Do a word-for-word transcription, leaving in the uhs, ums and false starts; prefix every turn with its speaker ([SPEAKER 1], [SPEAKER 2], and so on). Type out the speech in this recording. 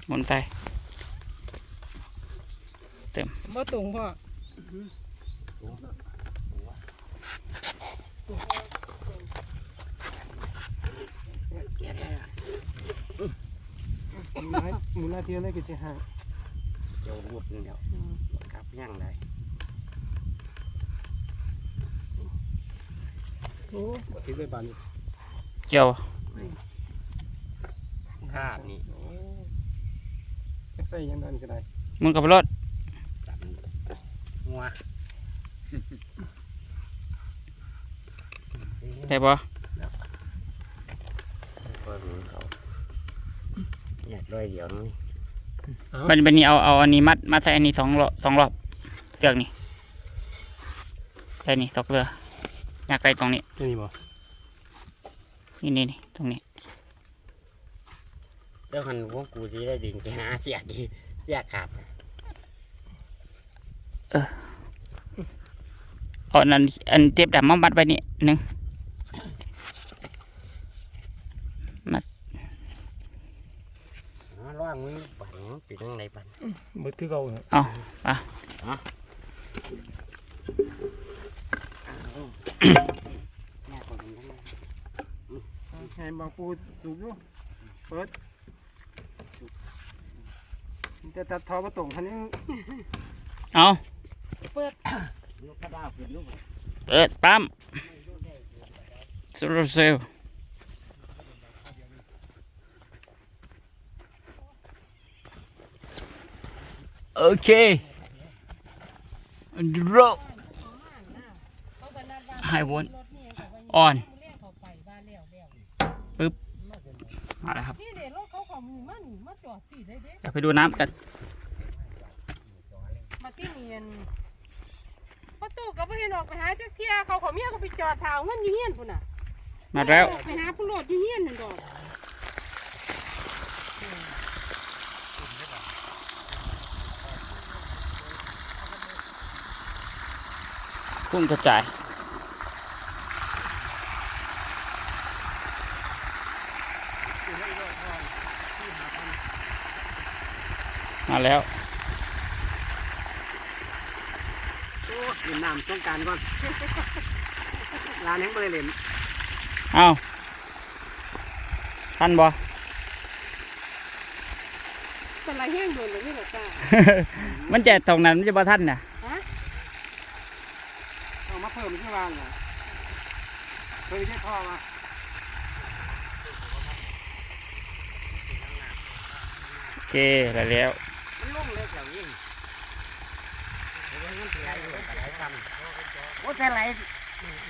[SPEAKER 1] หมุนไปเต็ม
[SPEAKER 2] บ่ตรงพ่อ
[SPEAKER 3] มูลนาทีอะไรก็จะห่าง
[SPEAKER 4] เดี๋ยวรวบนึงเดี๋ยวครับย่างได้
[SPEAKER 3] โอ้บัดที่ได้บานนี่
[SPEAKER 1] เกี่ยว
[SPEAKER 4] ขาดนี่
[SPEAKER 3] จักใส่ยังดันก็ได้
[SPEAKER 1] หมุนกับรถ
[SPEAKER 4] จับงัว
[SPEAKER 1] ได้ปะ
[SPEAKER 4] ก็รู้เขาอยากด้วยเดี๋ยวนี้
[SPEAKER 1] บันบันนี้เอาเอาอันนี้มัดมัดใส่อันนี้สองรอบสองรอบเสือกนี่ใส่นี่ตกเรืออยากไปตรงนี้
[SPEAKER 3] นี่บ่
[SPEAKER 1] นี่นี่นี่ตรงนี้
[SPEAKER 4] เจ้าคันพวกกูสิได้ดึงไปหาเสียดีเสียขาด
[SPEAKER 1] เอาอันนั้นอันเจ็บดำมามัดไว้นี่หนึ่ง
[SPEAKER 4] ร่างมึงปั่นปิดตรงไหนปั่น
[SPEAKER 3] บัดที่เราเนี่ย
[SPEAKER 1] เอาอ่ะ
[SPEAKER 3] ให้บางปูสูบอยู่เปิดจะตัดทอมาตรงคันนี้
[SPEAKER 1] เอา
[SPEAKER 4] ลูกกระดาษขึ้นลูก
[SPEAKER 1] เปิดปั๊มโซลาร์เซลล์โอเคโรไฮวนออนปึ๊บมาแล้วครับ
[SPEAKER 2] นี่เด็กรถเขาเขามือมันมาจอดสิได้เด้
[SPEAKER 1] เดี๋ยวไปดูน้ำกัน
[SPEAKER 2] มาที่เนียนประตูก็ไม่เห็นออกไปหาจักเที่ยเขาเขาเมียก็ไปจอดถาวเงินอยู่เฮียนพุ่นน่ะ
[SPEAKER 1] มาแล้ว
[SPEAKER 2] ไปหาผู้โหลดอยู่เฮียนนั่นดอก
[SPEAKER 1] กุ้งกระจายมาแล้ว
[SPEAKER 4] โอ้ยน้ำต้องการก่อนร้านแห่งบริเวณ
[SPEAKER 1] เอาทันบ่
[SPEAKER 2] สไลด์แห้งโดนเลยนี่แหละจ้า
[SPEAKER 1] มันจะตรงนั้นมันจะบ่ทันน่ะ
[SPEAKER 2] ฮะ
[SPEAKER 3] เอามาเพิ่มที่วางเหรอเคยแค่ท่อมา
[SPEAKER 1] โอเคได้แล้ว
[SPEAKER 4] มันลุ่มเลยแถวนี้โอ้ยมันไหลไหลซ้ำโอ้ยไหล